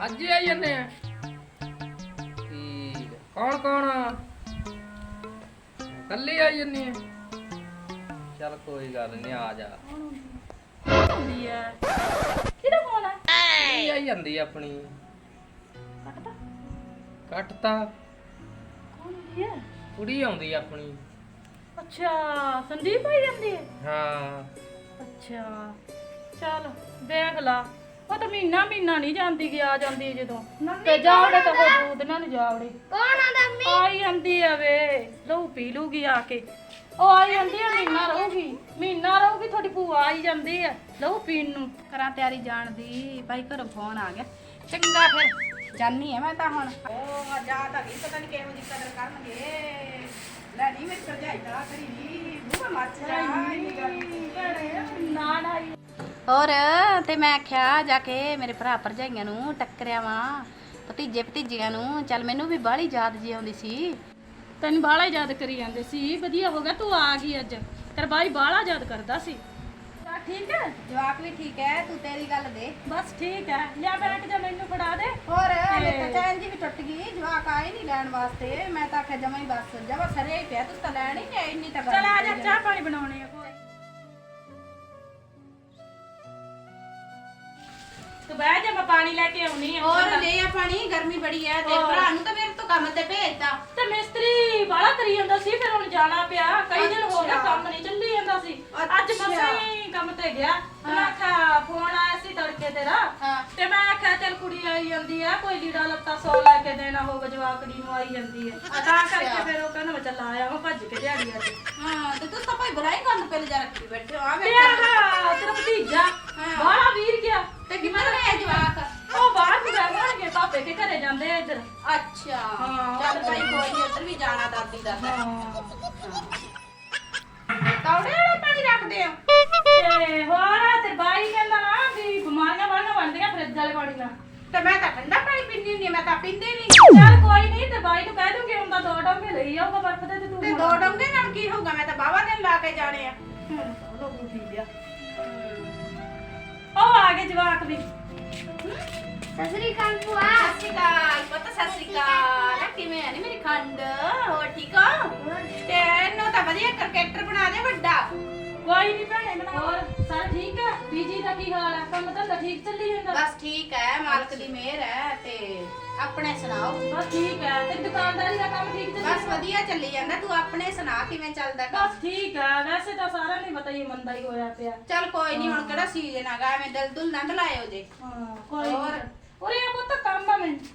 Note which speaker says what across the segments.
Speaker 1: ਅੱਜ ਹੀ ਆਈ ਜਾਂਦੇ ਆ। ਠੀਕ ਹੈ। ਕੌਣ ਕੌਣ ਆ? ਕੱਲੀ ਆਈ ਜਾਂਦੀ ਆ? ਚੱਲ ਕੋਈ ਗੱਲ ਨਹੀਂ, ਆ ਜਾ।
Speaker 2: ਹੁੰਦੀ ਹੈ ਕਿਹਦਾ ਫੋਨ ਹੈ?
Speaker 1: ਕੁੜੀ ਆਈ ਜਾਂਦੀ ਆ ਆਪਣੀ।
Speaker 2: ਕੱਟਦਾ
Speaker 1: ਕੱਟਤਾ।
Speaker 2: ਕੌਣ ਹੁੰਦੀ ਹੈ?
Speaker 1: ਕੁੜੀ ਆਉਂਦੀ ਆ ਆਪਣੀ।
Speaker 2: ਅੱਛਾ ਸੰਦੀਪ ਆਈ ਜਾਂਦੀ ਹੈ।
Speaker 1: ਹਾਂ
Speaker 2: ਅੱਛਾ ਚੱਲ ਦੇਖ ਲਾ, ਉਹ ਤਾਂ ਮਹੀਨਾ ਨਹੀਂ ਜਾਂਦੀ ਕਿ ਆ ਜਾਂਦੀ ਜਦੋਂ ਤੇ ਜਾਵੜੇ ਤਾਂ ਉਹ ਦੂਧ ਨਾਲ ਜਾਵੜੇ।
Speaker 3: ਕੌਣ ਆਂਦਾ ਮੰਮੀ?
Speaker 2: ਆਈ ਜਾਂਦੀ ਆ ਵੇ, ਲਹੂ ਪੀ ਲੂਗੀ ਆ ਕੇ। ਉਹ ਆਈ ਜਾਂਦੀ ਆ, ਮਹੀਨਾ ਰਹੂਗੀ ਤੁਹਾਡੀ ਭੂਆ ਆਈ ਜਾਂਦੀ ਆ ਲਹੂ ਪੀਣ ਨੂੰ।
Speaker 3: ਕਰਾਂ ਤਿਆਰੀ ਜਾਣ ਦੀ, ਭਾਈ ਘਰੋਂ ਫੋਨ ਆ ਗਿਆ। ਚੰਗਾ ਫਿਰ ਜਾਨੀ ਆ ਮੈਂ ਤਾਂ ਹੁਣ। ਉਹ ਜਾ ਤਾਂ ਨਹੀਂ, ਪਤਾ ਨਹੀਂ ਕਿਹੋ ਜਿਹੀ ਕਦਰ ਕਰਨਗੇ। ਲੈ ਨਹੀਂ ਮੇਰੀ ਭਰਜਾਈ ਤਾਂ ਕਰੀ ਨਹੀਂ ਬੂਹਾ ਮੱਚ ਜਾ
Speaker 2: ਨਾ
Speaker 3: ਹੋਰ ਤੇ ਮੈਂ ਆਖਿਆ ਜਾ ਕੇ ਮੇਰੇ ਭਰਾ ਭਰਜਾਈਆਂ ਨੂੰ ਟੱਕਰਿਆ ਵਾਂ, ਭਤੀਜੇ ਭਤੀਜੀਆਂ ਨੂੰ। ਚੱਲ ਮੈਨੂੰ ਵੀ ਬਾਹਲੀ ਯਾਦ ਜੀ ਆਉਂਦੀ ਸੀ।
Speaker 2: ਤੈਨੂੰ ਬਾਹਲਾ ਯਾਦ ਕਰੀ ਜਾਂਦੇ ਸੀ। ਵਧੀਆ ਹੋ ਗਿਆ ਤੂੰ ਆ ਗਈ ਅੱਜ, ਤੇਰਾ ਬਾਈ ਬਾਹਲਾ ਯਾਦ ਕਰਦਾ ਸੀ। ਤਾਂ ਠੀਕ ਹੈ,
Speaker 3: ਜਵਾਕ ਵੀ ਠੀਕ ਹੈ, ਤੂੰ ਤੇਰੀ ਗੱਲ ਦੇ।
Speaker 2: ਬਸ ਠੀਕ ਹੈ। ਲਿਆ ਬੈਠ ਜਾ, ਮੈਨੂੰ ਫੜਾ ਦੇ।
Speaker 3: ਹੋਰ ਮੇਰੇ ਤਾਂ ਚੈਨ ਜੀ ਵੀ ਟੁੱਟ ਗਈ, ਜਵਾਕ ਆਏ ਨਹੀਂ ਲੈਣ ਵਾਸਤੇ। ਮੈਂ ਤਾਂ ਆਖਿਆ ਜਮਾ ਹੀ ਬਸ ਜਮਾ ਸਰੇ ਹੀ ਪਿਆ, ਤੂੰ ਤਾਂ ਲੈਣ ਹੀ ਨਹੀਂ ਆਈ। ਇੰਨੀ ਤਾਂ
Speaker 2: ਚਲ ਆ ਜਾ, ਚਾਹ ਪਾਣੀ ਬਣਾਉਣੇ ਆ। ਤੂੰ ਬਹਿ ਜਾ, ਮੈਂ ਪਾਣੀ ਲੈ ਕੇ ਆਉਣੀ ਆ।
Speaker 3: ਹੋਰ ਲੈ ਆ ਪਾਣੀ, ਗਰਮੀ ਬੜੀ ਹੈ। ਤੇ ਭਰਾ ਨੂੰ ਤਾਂ ਮੇਰੇ ਤੋਂ ਕੰਮ ਤੇ ਭੇਜਦਾ।
Speaker 2: ਤੇ ਮਿਸਤਰੀ ਬਾਹਲਾ ਕਰੀ ਜਾਂਦਾ ਸੀ, ਫਿਰ ਹੁਣ ਜਾਣਾ ਪਿਆ। ਕਈ ਦਿਨ ਹੋ ਗਏ ਕੰਮ ਨਹੀਂ ਚੱਲੀ ਜਾਂਦਾ ਸੀ। ਅੱਜ ਮਸਾਂ ਹੀ ਕੰਮ ਤੇ ਗਿਆ। ਮੈਂ ਆਖਿਆ ਫੋਨ ਆਇਆ ਸੀ ਤੜਕੇ ਤੇਰਾ, ਤੇ ਮੈਂ ਆਖਿਆ ਚੱਲ ਕੁੜੀ ਆਈ ਜਾਂਦੀ ਆ, ਕੋਈ ਲੀੜਾ ਲੱਤਾ 100 ਲੈ ਕੇ ਦੇਣਾ ਹੋਵੇ ਜਵਾਕੜੀ ਨੂੰ, ਆਈ ਜਾਂਦੀ ਹੈ ਤਾਂ ਕਰਕੇ ਫਿਰ ਉਹ ਕਹਿੰਦਾ ਮੈਂ ਚੱਲ ਆਇਆ ਮੈਂ ਭੱਜ ਕੇ ਦਿਹਾੜੀ ਅੱਜ।
Speaker 3: ਹਾਂ ਤੇ ਤੂੰ ਤਾਂ ਭਾਈ ਬੁਰਾਈ ਕਰਨ ਪਹਿਲੇ ਜਾ ਰੱਖੀ ਬੈਠੇ ਹੋ। ਆ
Speaker 2: ਤੇ ਆਹ ਤੇਰਾ ਭਤੀਜਾ ਬਾਹਲਾ ਵੀਰ ਗਿਆ
Speaker 3: ਤੇ ਕਿਵੇਂ ਲੈ ਜਵਾਕ?
Speaker 2: ਉਹ ਬਾਹਰ ਵੀ ਜਾਣਗੇ, ਪਾਪੇ ਕੇ ਘਰੇ ਜਾਂਦੇ ਆ ਇੱਧਰ।
Speaker 3: ਅੱਛਾ
Speaker 2: ਹਾਂ।
Speaker 3: ਚੱਲ ਭਾਈ ਕੋਈ ਨੀ, ਉੱਧਰ ਵੀ ਜਾਣਾ ਦਾਦੀ ਦਾ। ਕੌੜੇ ਵਾਲਾ ਪਾਣੀ ਰੱਖਦੇ ਆ?
Speaker 2: ਤੇ ਹੋਰ ਤੇ ਬਾਈ ਕਹਿੰਦਾ ਨਾ ਵੀ ਬਿਮਾਰੀਆਂ ਵਾਲੀਆਂ ਬਣਦੀਆਂ ਫਰਿੱਜ ਵਾਲੇ ਪਾਣੀ ਨਾਲ।
Speaker 3: ਤੇ ਮੈਂ ਤਾਂ ਠੰਡਾ ਪਾਣੀ ਪੀਂਦੀ ਹੁੰਦੀ, ਮੈਂ ਤਾਂ ਪੀਂਦੀ ਨਹੀਂ।
Speaker 2: ਚੱਲ ਕੋਈ ਨਹੀਂ, ਤੇ ਬਾਈ ਨੂੰ ਕਹਿ ਦੂੰਗੀ ਹੁੰਦਾ 2 ਡੋਂਗੇ ਲਈ ਆਊਗਾ ਬਰਫ ਦੇ ਤੇ ਤੂੰ
Speaker 3: ਤੇ 2 ਡੋਂਗੇ ਨਾਲ ਕੀ ਹੋਊਗਾ? ਮੈਂ ਤਾਂ ਬਾਵਾ ਦਿਨ ਲਾ ਕੇ ਜਾਣੇ ਆ।
Speaker 2: ਲੋਗੂ ਪੀ ਲਿਆ। ਉਹ ਆ ਗਏ ਜਵਾਕ ਵੀ।
Speaker 3: ਸਸਰੀ ਕਾਲ ਭੂਆ। ਸਸਰੀ ਕਾਲ ਪਤਾ, ਸਸਰੀ ਕਾਲ। ਕਿਵੇਂ ਆ ਨੀ ਮੇਰੀ ਖੰਡ? ਹੋਰ ਠੀਕ ਹੋ? ਤੇ ਇਹਨੂੰ ਤਾਂ ਵਧੀਆ ਕ੍ਰਿਕਟਰ ਬਣਾ ਦੇ ਵੱਡਾ।
Speaker 2: ਕੋਈ ਨਹੀਂ ਭੈਣੇ ਬਣਾ। ਹੋਰ ਸਰ ਠੀਕ ਹੈ? ਬੀਜੀ ਦਾ ਕੀ ਹਾਲ ਹੈ? ਕੰਮ ਧੰਦਾ ਠੀਕ ਚੱਲੀ ਜਾਂਦਾ?
Speaker 3: ਬਸ ਠੀਕ ਹੈ, ਮਾਲਕ ਦੀ ਮਿਹਰ ਹੈ। ਤੇ ਆਪਣੇ ਸੁਣਾਓ?
Speaker 2: ਬਸ ਠੀਕ ਹੈ। ਤੇ ਦੁਕਾਨਦਾਰੀ ਦਾ ਕੰਮ ਠੀਕ ਚੱਲੀ
Speaker 3: ਬਸ ਵਧੀਆ ਚੱਲੀ ਜਾਂਦਾ। ਤੂੰ ਆਪਣੇ ਸੁਣਾ, ਕਿਵੇਂ ਚੱਲਦਾ ਕੰਮ?
Speaker 2: ਬਸ ਠੀਕ ਹੈ। ਵੈਸੇ ਤਾਂ ਸਾਰਿਆਂ ਨੂੰ ਪਤਾ ਹੀ ਮੰਦਾ ਹੀ ਹੋਇਆ ਪਿਆ।
Speaker 3: ਚੱਲ ਕੋਈ ਨਹੀਂ, ਹੁਣ ਕਿਹੜਾ ਸੀਜ਼ਨ ਆਗਾ, ਐਵੇਂ ਦਿਲ ਦੁਲ ਨਾ ਲਾਇਓ ਜੇ।
Speaker 2: ਹਾਂ ਕੋਈ
Speaker 3: ਹੋਰ?
Speaker 2: ਨਹੀਂ। ਔਰ ਇਹ ਪੁੱਤ ਕੰਮ ਆ ਮੈਨੂੰ।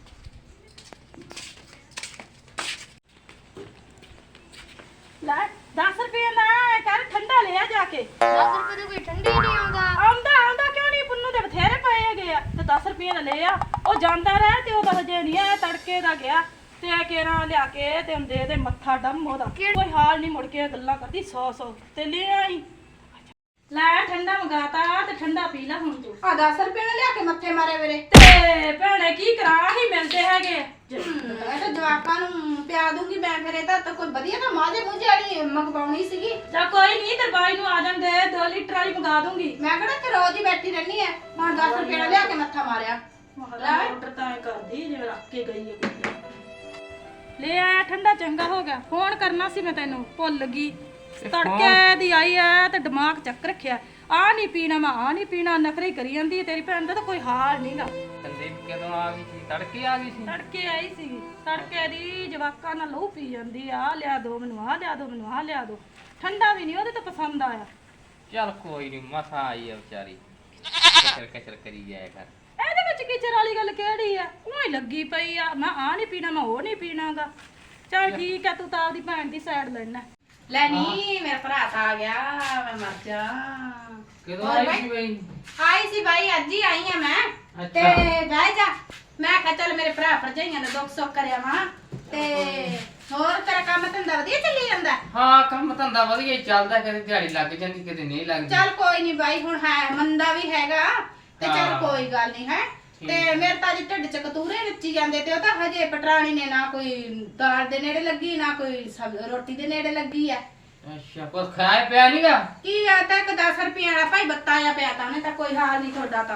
Speaker 2: ਲੈ 10 ਰੁਪਏ ਨਾ ਕਰ, ਠੰਡਾ ਲਿਆ ਜਾ ਕੇ।
Speaker 3: 10 ਰੁਪਏ ਦਾ ਕੋਈ ਠੰਡੀ ਨਹੀਂ ਆਉਂਦਾ।
Speaker 2: ਆਉਂਦਾ ਕਿਉਂ ਨਹੀਂ? ਪੁੰਨੂ ਦੇ ਬਥੇਰੇ ਪਏ ਹੈਗੇ ਆ। ਤੇ 10 ਰੁਪਏ ਦਾ ਲੈ ਆ। ਉਹ ਜਾਂਦਾ ਰਹਿ ਤੇ ਉਹਦਾ ਹਜੇ ਨਹੀਂ ਆਇਆ, ਤੜਕੇ ਦਾ ਗਿਆ। ਤੇ ਕੇਰਾ ਲਿਆ ਕੇ ਤੇ ਦੇ ਦੇ ਮੱਥਾ ਡੰਮ ਉਹਦਾ। ਕੋਈ ਹਾਲ ਨਹੀਂ, ਮੁੜ ਕੇ ਗੱਲਾਂ ਕਰਦੀ 100 ਤੇ ਲੈ ਆਈ। ਲੈ ਠੰਡਾ ਮੰਗਾਤਾ ਤੇ ਠੰਡਾ ਪੀ ਲੈ ਹੁਣ ਤੂੰ।
Speaker 3: ਆ 10 ਰੁਪਏ ਨਾਲ ਲਿਆ ਕੇ ਮੱਥੇ ਮਾਰੇ ਮੇਰੇ।
Speaker 2: ਤੇ ਭੈਣੇ ਕੀ ਕਰਾਂ, ਹੀ ਮਿਲਦੇ ਹੈਗੇ।
Speaker 3: ਇਹ ਤਾਂ ਜਵਾਕਾਂ ਨੂੰ ਪਿਆ ਦੂੰਗੀ ਮੈਂ। ਫਿਰ ਇਹ ਤਾਂ ਕੋਈ ਵਧੀਆ ਨਾ ਮਾਝੇ ਮੂਝੇ ਵਾਲੀ ਮੰਗਵਾਉਣੀ ਸੀਗੀ।
Speaker 2: ਜਾ ਕੋਈ ਨਹੀਂ, ਤੇ ਬਾਈ ਨੂੰ ਆ ਜਾਂਦੇ 2 ਲੀਟਰ ਵਾਲੀ ਮੰਗਾ ਦੂੰਗੀ।
Speaker 3: ਮੈਂ ਕਿਹੜਾ ਤੇ ਰੋਜ਼ ਹੀ ਬੈਠੀ ਰਹਿਣੀ ਐ। ਹੁਣ 10 ਰੁਪਏ ਨਾਲ ਲਿਆ ਕੇ ਮੱਥਾ ਮਾਰਿਆ।
Speaker 2: ਮੋਟਰ ਤਾਂ ਐ ਕਰਦੀ ਜਿਵੇਂ ਰੱਖ ਕੇ ਗਈ ਹੈ ਕੁੜੀ। ਲੈ ਆਇਆ ਠੰਡਾ, ਚੰਗਾ ਹੋ ਗਿਆ। ਫੋਨ ਕਰਨਾ ਸੀ ਮੈਂ ਤੈਨੂੰ, ਭੁੱਲ ਗਈ। ਤੜਕੇ ਦੀ ਆਈ ਐ ਤੇ ਦਿਮਾਗ ਚੱਕ ਰੱਖਿਆ। ਆ ਨਹੀਂ ਪੀਣਾ, ਮੈਂ ਆ ਨਹੀਂ ਪੀਣਾ, ਨਖਰੇ ਕਰੀ ਜਾਂਦੀ ਹੈ। ਤੇਰੀ ਭੈਣ ਦਾ ਤਾਂ ਕੋਈ ਹਾਲ ਨਹੀਂਗਾ।
Speaker 1: ਸੰਦੀਪ ਕਦੋਂ ਆ ਗਈ ਸੀ? ਤੜਕੇ ਆ ਗਈ ਸੀ?
Speaker 2: ਤੜਕੇ ਆਈ ਸੀ। ਤੜਕੇ ਦੀ ਜਵਾਕਾਂ ਨਾਲ ਲਹੂ ਪੀ ਜਾਂਦੀ ਆ। ਲਿਆ ਦੋ ਮੈਨੂੰ, ਆ ਲਿਆ ਦੋ ਮੈਨੂੰ, ਆ ਲਿਆ ਦੋ। ਠੰਡਾ ਵੀ ਨਹੀਂ ਉਹਦੇ ਤਾਂ ਪਸੰਦ ਆਇਆ।
Speaker 1: ਚੱਲ ਕੋਈ ਨਹੀਂ, ਮਸਾ ਆਈ ਆ ਵਿਚਾਰੀ, ਕਚਰ ਕਰੀ ਜਾਇਆ ਕਰ।
Speaker 2: ਇਹਦੇ ਵਿੱਚ ਕਿਚਰ ਵਾਲੀ ਗੱਲ ਕਿਹੜੀ ਆ? ਉਹ ਹੀ ਲੱਗੀ ਪਈ ਆ, ਮੈਂ ਆ ਨਹੀਂ ਪੀਣਾ, ਮੈਂ ਉਹ ਨਹੀਂ ਪੀਣਾਗਾ। ਚੱਲ ਠੀਕ ਆ, ਤੂੰ ਤਾਂ ਆਪਦੀ ਭੈਣ ਦੀ ਸਾਈਡ ਲੈਣਾ।
Speaker 3: ਲੈ ਨੀ ਮੇਰਾ ਭਰਾ ਤਾਂ ਆ ਗਿਆ, ਮੈਂ ਮਰ ਜਾ।
Speaker 1: ਕਦੋਂ ਆਈ ਸੀ ਬਈ?
Speaker 3: ਆਈ ਸੀ ਬਾਈ, ਅੱਜ ਹੀ ਆਈ ਆ ਮੈਂ। ਤੇ ਬਹਿ ਜਾ। ਮੈਂ ਕਿਹਾ ਚੱਲ ਮੇਰੇ ਭਰਾ ਭਰਜਾਈਆਂ ਨੇ ਦੁੱਖ ਸੁੱਖ ਕਰਿਆ ਵਾ। ਤੇ ਹੋਰ ਤੇਰਾ ਕੰਮ ਧੰਦਾ ਵਧੀਆ ਚੱਲੀ ਜਾਂਦਾ?
Speaker 1: ਹਾਂ ਕੰਮ ਧੰਦਾ ਵਧੀਆ ਹੀ ਚੱਲਦਾ, ਕਦੇ ਦਿਹਾੜੀ ਲੱਗ ਜਾਂਦੀ ਕਦੇ ਨਹੀਂ ਲੱਗਦੀ।
Speaker 3: ਚੱਲ ਕੋਈ ਨਹੀਂ ਬਾਈ, ਹੁਣ ਹੈ ਮੰਦਾ ਵੀ ਹੈਗਾ ਤੇ ਚੱਲ ਕੋਈ ਗੱਲ ਨਹੀਂ ਹੈ। ਤੇ ਮੇਰੇ ਤਾਂ ਅੱਜ ਢਿੱਡ ਚ ਕਤੂਰੇ ਨੱਚੀ ਜਾਂਦੇ। ਤੇ ਉਹ ਤਾਂ ਹਜੇ ਪਟਰਾਣੀ ਨੇ ਨਾ ਕੋਈ ਦਾਲ ਦੇ ਨੇੜੇ ਲੱਗੀ, ਨਾ ਕੋਈ ਰੋਟੀ ਦੇ ਨੇੜੇ ਲੱਗੀ ਆ।
Speaker 1: ਅੱਛਾ, ਕੁਝ ਖਾਇਆ ਪਿਆ ਨਹੀਂਗਾ?
Speaker 3: ਕੀ ਆ ਤਾਂ ਇੱਕ 10 ਰੁਪਏ ਵਾਲਾ ਭਾਈ ਬੱਤਾ ਆ ਪਿਆ ਤਾਂ ਉਹਨੇ ਤਾਂ ਕੋਈ ਹਾਲ ਨਹੀਂ ਤੁਹਾਡਾ ਤਾਂ।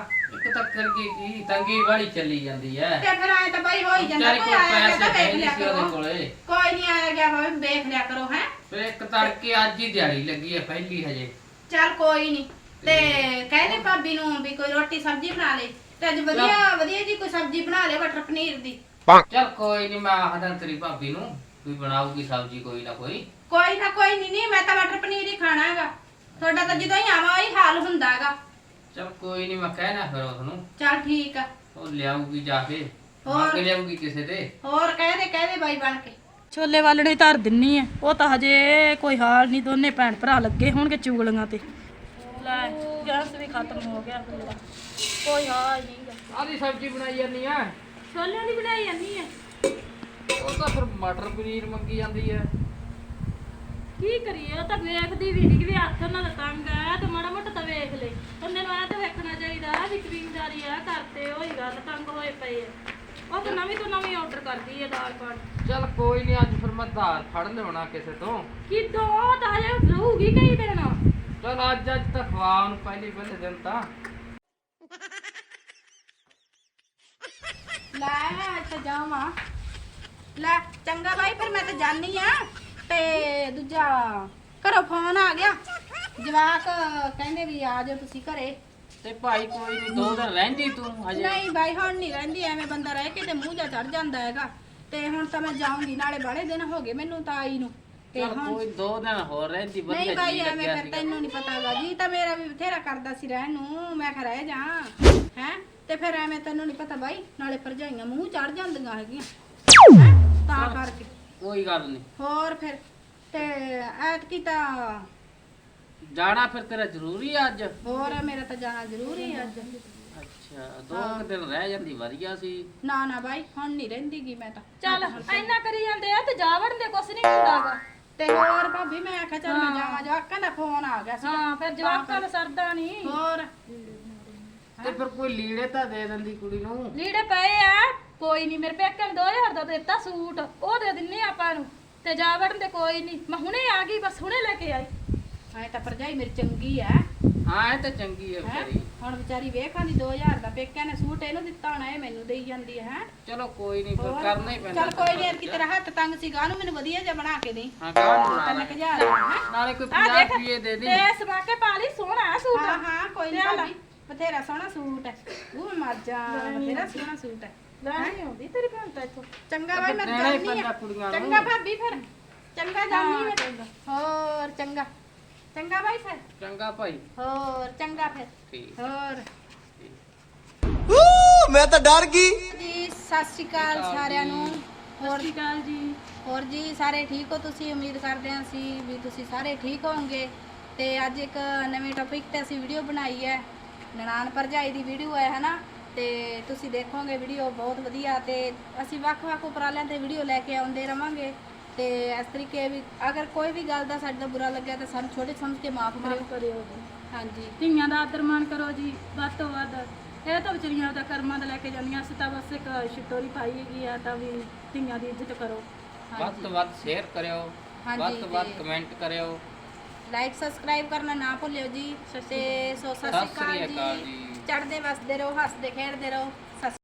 Speaker 1: ਇੱਕ ਤਾਂ ਕਰਕੇ ਕੀ ਤੰਗੀ ਵਾਲੀ ਚੱਲੀ ਜਾਂਦੀ ਐ।
Speaker 3: ਤੇ ਫਿਰ ਆਏ ਤਾਂ ਬਾਈ ਹੋ ਹੀ ਜਾਂਦਾ,
Speaker 1: ਵਿਚਾਰੀ
Speaker 3: ਕੋਈ
Speaker 1: ਕੋਲ
Speaker 3: ਆਇਆ ਗਿਆ ਤਾਂ
Speaker 1: ਪੈਸੇ
Speaker 3: ਵੇਖ ਲਿਆ
Speaker 1: ਸੀ ਉਹਦੇ
Speaker 3: ਕਰੋ।
Speaker 1: ਕੋਲੇ।
Speaker 3: ਕੋਈ ਨਹੀਂ ਆਇਆ ਗਿਆ ਭਾਵੇਂ ਵੇਖ ਲਿਆ ਕਰੋ ਹੈ।
Speaker 1: ਫਿਰ ਇੱਕ ਤੜਕੇ ਅੱਜ ਹੀ ਦਿਹਾੜੀ ਲੱਗੀ ਐ ਪਹਿਲੀ ਹਜੇ।
Speaker 3: ਚੱਲ ਕੋਈ ਨਹੀਂ, ਤੇ ਕਹਿੰਦੇ ਭਾਬੀ ਨੂੰ ਵੀ ਕੋਈ ਰੋਟੀ ਸਬਜ਼ੀ ਬਣਾ ਲੈ, ਤੇ ਅੱਜ ਵਧੀਆ ਵਧੀਆ ਜੀ ਕੋਈ ਸਬਜ਼ੀ ਬਣਾ ਲੈ ਮਟਰ ਪਨੀਰ ਦੀ।
Speaker 1: ਚੱਲ ਕੋਈ ਨਹੀਂ, ਮੈਂ ਆਖਦਾ ਤੇਰੀ ਭਾਬੀ ਨੂੰ ਵੀ ਬਣਾਉਗੀ ਸਬਜ਼ੀ ਕੋਈ ਨਾ ਕੋਈ।
Speaker 3: ਕੋਈ ਨਾ ਕੋਈ ਨਹੀਂ, ਮੈਂ ਤਾਂ ਮਟਰ ਪਨੀਰ ਹੀ ਖਾਣਾ ਹੈਗਾ। ਤੁਹਾਡਾ ਤਾਂ ਜਦੋਂ ਹੀ ਆਵਾਂ ਉਹੀ ਹਾਲ ਹੁੰਦਾ ਹੈਗਾ।
Speaker 1: ਚੱਲ ਕੋਈ ਨਹੀਂ, ਮੈਂ ਕਹਿਣਾ ਫਿਰ ਉਹਨੂੰ।
Speaker 3: ਚੱਲ ਠੀਕ ਆ।
Speaker 1: ਉਹ ਲਿਆਊਗੀ ਜਾ ਕੇ,
Speaker 3: ਹੋਰ?
Speaker 1: ਮੰਗ ਲਿਆਊਗੀ ਕਿਸੇ ਤੇ।
Speaker 3: ਹੋਰ ਕਹਦੇ ਬਾਈ ਬਣ ਕੇ।
Speaker 2: ਛੋਲੇ ਵਾਲਣੇ ਧਰ ਦਿੰਨੀ ਐ, ਉਹ ਤਾਂ ਹਜੇ ਕੋਈ ਹਾਲ ਨਹੀਂ, ਦੋਨੇ ਭੈਣ ਭਰਾ ਲੱਗੇ ਹੋਣਗੇ ਚੁਗਲੀਆਂ ਤੇ। ਲੈ ਗੈਸ ਵੀ ਖਤਮ ਹੋ ਗਿਆ ਮੇਰਾ, ਕੋਈ ਹਾਲ ਨਹੀਂ।
Speaker 1: ਆਦੀ ਸਬਜ਼ੀ ਬਣਾਈ ਜਾਂਦੀ ਆ।
Speaker 2: ਛੋਲਿਆਂ ਦੀ ਬਣਾਈ ਜਾਂਦੀ ਐ।
Speaker 1: ਉਹ ਤਾਂ ਫਿਰ ਮਟਰ ਪਨੀਰ ਮੰਗੀ ਜਾਂਦੀ ਐ।
Speaker 2: ਕੀ ਕਰੀਏ, ਉਹ ਤਾਂ ਵੇਖਦੀ ਵੀ ਨਹੀਂ ਕਿ ਵੀ ਹੱਥ ਨਾਲ ਤੰਗ ਆ, ਤੇ ਮਾੜਾ ਮੋਟਾ ਤਾਂ ਵੇਖ ਲੈ। ਬੰਦੇ ਨੂੰ ਐ ਤਾਂ ਵੇਖਣਾ ਚਾਹੀਦਾ ਵੀ ਖਰੀਦਦਾਰੀ ਆ ਕਰਤੇ ਉਹੀ ਗੱਲ, ਤੰਗ ਹੋਏ ਪਏ ਆ। ਉਹ ਤਾਂ ਨਵੀਂ ਤੋਂ ਨਵੀਂ ਆਰਡਰ ਕਰਦੀ ਹੈ ਦਾਲ ਪਾਣ।
Speaker 1: ਚੱਲ ਕੋਈ ਨਹੀਂ, ਅੱਜ ਫਿਰ ਮੈਂ ਧਾਰ ਫੜ ਲਿਆਉਣਾ ਕਿਸੇ ਤੋਂ।
Speaker 2: ਕਿਦੋਂ ਤਾਂ ਹਜੇ ਰਹੂਗੀ ਕਈ ਦਿਨ।
Speaker 1: ਚੱਲ ਅੱਜ ਤਾਂ ਖਵਾ ਉਹਨੂੰ ਪਹਿਲੇ ਦਿਨ ਤਾਂ।
Speaker 3: ਲੈ ਤਾਂ ਜਾਵਾਂ। ਲੈ ਚੰਗਾ ਬਾਈ, ਫਿਰ ਮੈਂ ਤਾਂ ਜਾਣੀ ਆ। ਤੇ ਦੂਜਾ ਘਰੋਂ ਫੋਨ ਆ ਗਿਆ, ਜਵਾਕ ਕਹਿੰਦੇ ਵੀ ਆ ਜਾਓ ਤੁਸੀਂ ਘਰੇ।
Speaker 1: ਤੇ ਭਾਈ ਕੋਈ ਨਹੀਂ, 2 ਦਿਨ ਰਹਿੰਦੀ ਤੂੰ ਹਜੇ।
Speaker 3: ਨਹੀਂ ਬਾਈ ਹੁਣ ਨਹੀਂ ਰਹਿੰਦੀ, ਐਵੇਂ ਬੰਦਾ ਰਹਿ ਕੇ ਤੇ ਮੂੰਹ ਜਾ ਚੜ ਜਾਂਦਾ ਹੈਗਾ। ਤੇ ਹੁਣ ਤਾਂ ਮੈਂ ਜਾਊਂਗੀ, ਨਾਲੇ ਬਾਲੇ ਦਿਨ ਹੋ ਗਏ ਮੈਨੂੰ ਤਾਂ ਆਈ ਨੂੰ। ਤੇ
Speaker 1: ਚੱਲ
Speaker 3: ਹੁਣ
Speaker 1: ਕੋਈ 2 ਦਿਨ ਹੋਰ ਰਹਿੰਦੀ ਵਧੀਆ
Speaker 3: ਨਹੀਂ ਬਾਈ,
Speaker 1: ਜੀ
Speaker 3: ਐਵੇਂ
Speaker 1: ਲੱਗਿਆ
Speaker 3: ਫਿਰ
Speaker 1: ਸੀਗਾ।
Speaker 3: ਤੈਨੂੰ ਨਹੀਂ ਪਤਾਗਾ ਜੀ, ਤਾਂ ਮੇਰਾ ਵੀ ਬਥੇਰਾ ਕਰਦਾ ਸੀ ਰਹਿਣ ਨੂੰ, ਮੈਂ ਕਿਹਾ ਰਹਿ ਜਾ ਹੈ। ਤੇ ਫਿਰ ਐਵੇਂ ਤੈਨੂੰ ਨਹੀਂ ਪਤਾ ਬਾਈ, ਨਾਲੇ ਭਰਜਾਈਆਂ ਮੂੰਹ ਚੜ ਜਾਂਦੀਆਂ ਹੈਗੀਆਂ ਹੈਂ, ਤਾਂ ਕਰਕੇ।
Speaker 1: ਕੋਈ ਗੱਲ ਨਹੀਂ,
Speaker 3: ਹੋਰ ਫਿਰ ਤੇ ਐਤਕੀ ਤਾਂ
Speaker 1: ਜਾਣਾ ਫਿਰ ਤੇਰਾ ਜ਼ਰੂਰੀ ਆ ਅੱਜ।
Speaker 3: ਹੋਰ ਮੇਰਾ ਤਾਂ ਜਾਣਾ ਜ਼ਰੂਰੀ ਹੈ ਅੱਜ।
Speaker 1: ਅੱਛਾ 2 ਦਿਨ ਰਹਿ ਜਾਂਦੀ ਵਧੀਆ ਸੀ।
Speaker 3: ਨਾ ਨਾ ਬਾਈ ਹੁਣ ਨਹੀਂ ਰਹਿੰਦੀਗੀ ਮੈਂ ਤਾਂ।
Speaker 2: ਚੱਲ ਇੰਨਾ ਕਰੀ ਜਾਂਦੇ ਆ ਤੇ ਜਾ ਵੜਨ ਦੇ, ਕੁਛ ਨਹੀਂ ਹੁੰਦਾਗਾ।
Speaker 3: ਤੇ ਹੋਰ ਭਾਬੀ ਮੈਂ ਆਖਿਆ ਚੱਲ ਮੈਂ ਜਾਵਾਂ, ਜਵਾਕਾਂ ਦਾ ਫੋਨ ਆ ਗਿਆ ਸੀ।
Speaker 2: ਹਾਂ ਫਿਰ ਜਵਾਕਾਂ ਨੂੰ ਸਰਦਾ ਨਹੀਂ।
Speaker 3: ਹੋਰ
Speaker 1: ਤੇ ਫਿਰ ਕੋਈ ਲੀੜੇ ਤਾਂ ਦੇ ਦਿੰਦੀ ਕੁੜੀ ਨੂੰ।
Speaker 2: ਲੀੜੇ ਪਏ ਆ, ਕੋਈ ਨਹੀਂ, ਮੇਰੇ ਪੇਕੇ ਨੇ 2000 ਦਾ ਦਿੱਤਾ ਸੂਟ, ਉਹ ਦੇ ਦਿੰਨੇ ਆਪਾਂ ਨੂੰ। ਤੇ ਜਾ ਵੜਨ ਦੇ ਕੋਈ ਨਹੀਂ, ਮੈਂ ਹੁਣੇ ਆ ਗਈ, ਬਸ ਹੁਣੇ ਲੈ ਕੇ ਆਈ।
Speaker 3: ਐ ਤਾਂ ਭਰਜਾਈ ਮੇਰੀ ਚੰਗੀ ਐ।
Speaker 1: ਹਾਂ ਇਹ ਤਾਂ ਚੰਗੀ ਹੈ
Speaker 3: ਹੈਂ?
Speaker 1: ਵਿਚਾਰੀ।
Speaker 3: ਹੁਣ ਵਿਚਾਰੀ ਵੇਖਾਂਦੀ 2000 ਦਾ ਪੇਕਿਆਂ ਨੇ ਸੂਟ ਇਹਨੂੰ ਦਿੱਤਾ ਹੋਣਾ, ਇਹ ਮੈਨੂੰ ਦੇਈ ਜਾਂਦੀ ਹੈ।
Speaker 1: ਚਲੋ ਕੋਈ ਨਹੀਂ, ਫਿਰ ਕਰਨਾ ਹੀ ਪੈਂਦਾ।
Speaker 3: ਚੱਲ ਕੋਈ ਨਹੀਂ, ਕਿ ਤੇਰਾ ਹੱਥ ਤੰਗ ਸੀਗਾ, ਨੂੰ ਮੈਨੂੰ ਵਧੀਆ ਜਿਹਾ ਬਣਾ ਕੇ ਦੇ।
Speaker 1: ਹਾਂ ਕਾਹ ਨੂੰ ਬਣਾ ਲੈ।
Speaker 3: 3000 ਦਾ
Speaker 1: ਨਾਲੇ ਕੋਈ
Speaker 2: ਆ
Speaker 1: 50
Speaker 2: ਦੇਖ
Speaker 1: ਰੁਪਏ ਦੇ ਦੇ।
Speaker 2: ਤੇ ਸਮਾ ਕੇ ਪਾ ਲਈ, ਸੋਹਣਾ ਆ ਸੂਟ।
Speaker 3: ਹਾਂ ਹਾਂ ਕੋਈ
Speaker 2: ਲਿਆ
Speaker 3: ਨਹੀਂ
Speaker 2: ਲੈ।
Speaker 3: ਭਾਬੀ, ਬਥੇਰਾ ਸੋਹਣਾ ਸੂਟ ਹੈ। ਉਹ ਮਾਜਾ ਬਥੇਰਾ ਸੋਹਣਾ ਸੂਟ ਹੈ।
Speaker 2: ਲੈਣੀ ਆਉਂਦੀ ਤੇਰੀ ਭੈਣ ਤਾਂ ਇੱਥੋਂ।
Speaker 3: ਚੰਗਾ ਬਾਈ ਮੈਂ
Speaker 1: ਦੇਣਾ ਹੀ
Speaker 3: ਜਾਣੀ
Speaker 1: ਪੈਂਦਾ
Speaker 3: ਆ।
Speaker 1: ਕੁੜੀਆਂ ਨੂੰ।
Speaker 3: ਚੰਗਾ ਭਾਬੀ ਫਿਰ, ਚੰਗਾ ਜਾਣੀ ਮੈਂ।
Speaker 2: ਚੰਗਾ।
Speaker 3: ਹੋਰ ਚੰਗਾ ਚੰਗਾ ਬਾਈ ਫਿਰ।
Speaker 1: ਚੰਗਾ ਭਾਈ।
Speaker 3: ਹੋਰ ਚੰਗਾ ਫਿਰ।
Speaker 1: ਠੀਕ।
Speaker 3: ਹੋਰ
Speaker 4: ਮੈਂ ਤਾਂ ਡਰ ਗਈ।
Speaker 3: ਜੀ ਸਤਿ ਸ਼੍ਰੀ ਅਕਾਲ ਸਾਰਿਆਂ ਨੂੰ।
Speaker 2: ਸਤਿ ਸ਼੍ਰੀ ਅਕਾਲ ਜੀ।
Speaker 3: ਹੋਰ ਜੀ ਸਾਰੇ ਠੀਕ ਹੋ ਤੁਸੀਂ? ਉਮੀਦ ਕਰਦੇ ਹਾਂ ਅਸੀਂ ਵੀ ਤੁਸੀਂ ਸਾਰੇ ਠੀਕ ਹੋਵੋਗੇ। ਤੇ ਅੱਜ ਇੱਕ ਨਵੇਂ ਟੌਪਿਕ ਤੇ ਅਸੀਂ ਵੀਡੀਓ ਬਣਾਈ ਹੈ, ਨਨਾਣ ਭਰਜਾਈ ਦੀ ਵੀਡੀਓ ਹੈ ਹਨਾ। ਤੇ ਤੁਸੀਂ ਦੇਖੋਗੇ ਵੀਡੀਓ ਬਹੁਤ ਵਧੀਆ, ਤੇ ਅਸੀਂ ਵੱਖ-ਵੱਖ ਉਪਰਾਲਿਆਂ ਤੇ ਵੀਡੀਓ ਲੈ ਕੇ ਆਉਂਦੇ ਰਵਾਂਗੇ। ਤੇ ਇਸ ਤਰੀਕੇ ਵੀ ਅਗਰ ਕੋਈ ਵੀ ਗੱਲ ਦਾ ਸਾਡੇ ਦਾ ਬੁਰਾ ਲੱਗਿਆ ਤਾਂ ਸਾਨੂੰ ਛੋਟੇ ਸਮਝ ਕੇ ਮਾਫ ਕਰਿਓ। ਹਾਂਜੀ,
Speaker 2: ਧੀਆਂ ਦਾ ਆਦਰ ਮਾਣ ਕਰੋ ਜੀ ਵੱਧ ਤੋਂ ਵੱਧ। ਇਹ ਤਾਂ ਵਿਚਾਰੀਆਂ ਦਾ ਕਰਮਾਂ ਦਾ ਲੈ ਕੇ ਜਾਂਦੀਆਂ, ਅਸੀਂ ਤਾਂ ਬਸ ਇੱਕ ਛਿੱਟੋਰੀ ਪਾਈ ਹੈਗੀ ਆ, ਤਾਂ ਵੀ ਧੀਆਂ ਦੀ ਇੱਜ਼ਤ ਕਰੋ।
Speaker 1: ਵੱਧ ਤੋਂ ਵੱਧ ਸ਼ੇਅਰ ਕਰਿਓ,
Speaker 3: ਹਾਂਜੀ,
Speaker 1: ਵੱਧ ਤੋਂ ਵੱਧ
Speaker 3: ਤੇ
Speaker 1: ਕਮੈਂਟ ਕਰਿਓ,
Speaker 3: ਲਾਈਕ ਸਬਸਕ੍ਰਾਈਬ ਕਰਨਾ ਨਾ ਭੁੱਲਿਓ ਜੀ। ਤੇ ਸਤਿ ਸ਼੍ਰੀ ਅਕਾਲ ਜੀ।
Speaker 1: ਜੀ।
Speaker 3: ਚੜ੍ਹਦੇ ਵਸਦੇ ਰਹੋ, ਹੱਸਦੇ ਖੇਡਦੇ ਰਹੋ।